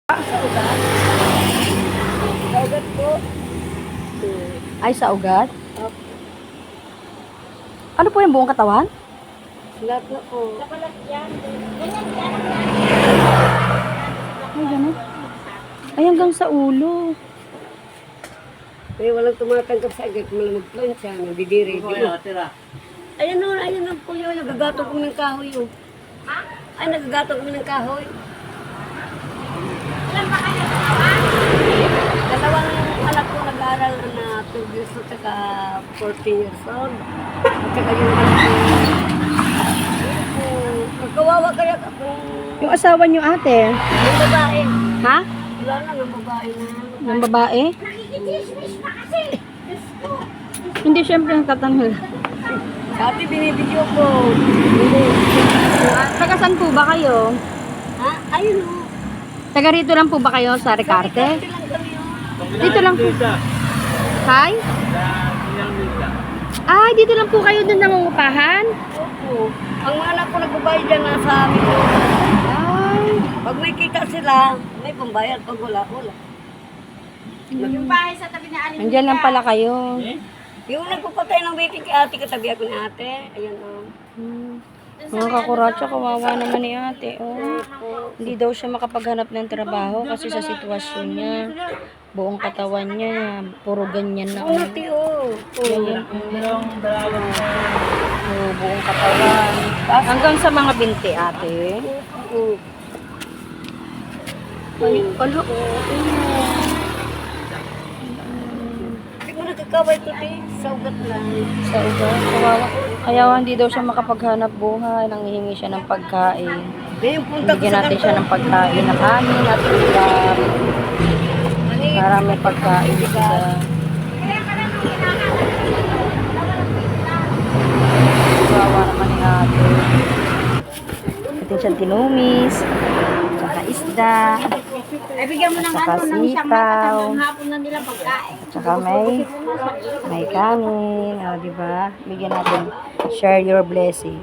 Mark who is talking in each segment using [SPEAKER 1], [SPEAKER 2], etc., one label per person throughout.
[SPEAKER 1] Sa ugat? Sa ugat po.
[SPEAKER 2] Ay, sa ugat?
[SPEAKER 1] Opo.
[SPEAKER 2] Ano po yung buong katawan?
[SPEAKER 1] Lahat na po.
[SPEAKER 2] Ay, gano'n. Ay, hanggang sa ulo.
[SPEAKER 1] Eh, walang tumatanggap sa agad. Malamag plan siya. Nandidiri. Ayun o po yun. Nagagato ko ng kahoy yun. Ay, nagagato ko ng kahoy. Dalawang anak ko nag-aaral na 2 years old at 14 years old. At saka yung anak ko. Ayun po. Magkawawa kaya ako.
[SPEAKER 2] Yung asawa niyo, ate?
[SPEAKER 1] Yung babae.
[SPEAKER 2] Ha?
[SPEAKER 1] Wala na ng babae na.
[SPEAKER 2] Yung babae? Hindi, syempre nagtatanong.
[SPEAKER 1] Dati binibidyo ko. Hindi.
[SPEAKER 2] Taga saan po ba kayo?
[SPEAKER 1] Ha? Ayun o.
[SPEAKER 2] Taga rito lang po ba kayo sa Ricarte?
[SPEAKER 1] Dati lang kami o.
[SPEAKER 2] Dito lang po. Hi? Ay, dito lang po kayo doon nangungupahan?
[SPEAKER 1] Opo. Ang mga anak ko nagbabayad dyan na sa amin.
[SPEAKER 2] Ay.
[SPEAKER 1] Pag may kita sila, may pambayad. Pag wala, wala.
[SPEAKER 3] Yung bahay sa tabi na Aling
[SPEAKER 2] Nandiyan lang pala kayo.
[SPEAKER 1] Yung nagpapatay ng waiting kay ate, katabi ako ni ate. Ayan o.
[SPEAKER 2] Mga kakuratsa, kawawa naman ni ate. Oh. Hindi daw siya makapaghanap ng trabaho kasi sa sitwasyon niya. Buong katawan niya, puro ganyan na.
[SPEAKER 1] Oo, ate o.
[SPEAKER 2] Ganyan. Buong katawan. Hanggang sa mga binti, ate.
[SPEAKER 1] Oo.
[SPEAKER 2] Ay, alo.
[SPEAKER 1] Hindi mo nakakaway ko te. Sa ugat lang.
[SPEAKER 2] Sa ugat, kawawa. Kaya hindi daw siya makapaghanap buhay. Nanghihingi siya ng pagkain.
[SPEAKER 1] Ngayon punta ko
[SPEAKER 2] Bigyan
[SPEAKER 1] sa
[SPEAKER 2] natin siya ng pagkain na kanin at ulam. Para may pagkain siya. Kawawa naman ni ate. Natin siyang tinumis. Tsaka isda.
[SPEAKER 3] Ay, bigyan mo ng
[SPEAKER 2] Saka
[SPEAKER 3] ano, ng siyang
[SPEAKER 2] sitaw.
[SPEAKER 3] hanggang hapon na nila pagkain.
[SPEAKER 2] Tsaka may kanin. O, diba? Bigyan natin. Share your blessing.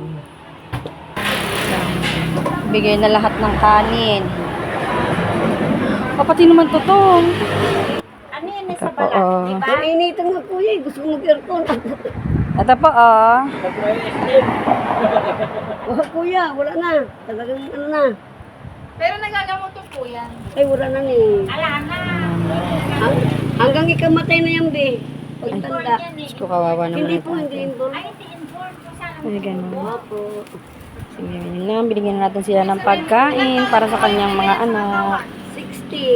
[SPEAKER 2] Bigay na lahat ng kanin. Pati naman totoo.
[SPEAKER 3] Ano yan sa
[SPEAKER 2] Ito po,
[SPEAKER 3] balat?
[SPEAKER 2] oh.
[SPEAKER 3] Diba?
[SPEAKER 1] Nainitan nga kuya eh. Gusto ko mag-aircon.
[SPEAKER 2] Ito po, oh.
[SPEAKER 1] Oh, kuya, wala na. Talagang ano na.
[SPEAKER 3] Pero nagagamot po yan.
[SPEAKER 1] Ay, wala na ni.
[SPEAKER 3] Ala na.
[SPEAKER 1] Hanggang ikamatay na yan, be. Pagtanda.
[SPEAKER 2] Diyos ko, kawawa naman
[SPEAKER 1] Hindi
[SPEAKER 2] ito.
[SPEAKER 1] po, hindi inborn.
[SPEAKER 3] Ay, hindi inborn po sana.
[SPEAKER 2] Ay, ganun.
[SPEAKER 1] Opo.
[SPEAKER 2] Sige, yun lang. Binigyan natin sila ng pagkain para sa kanyang mga anak.
[SPEAKER 1] 60.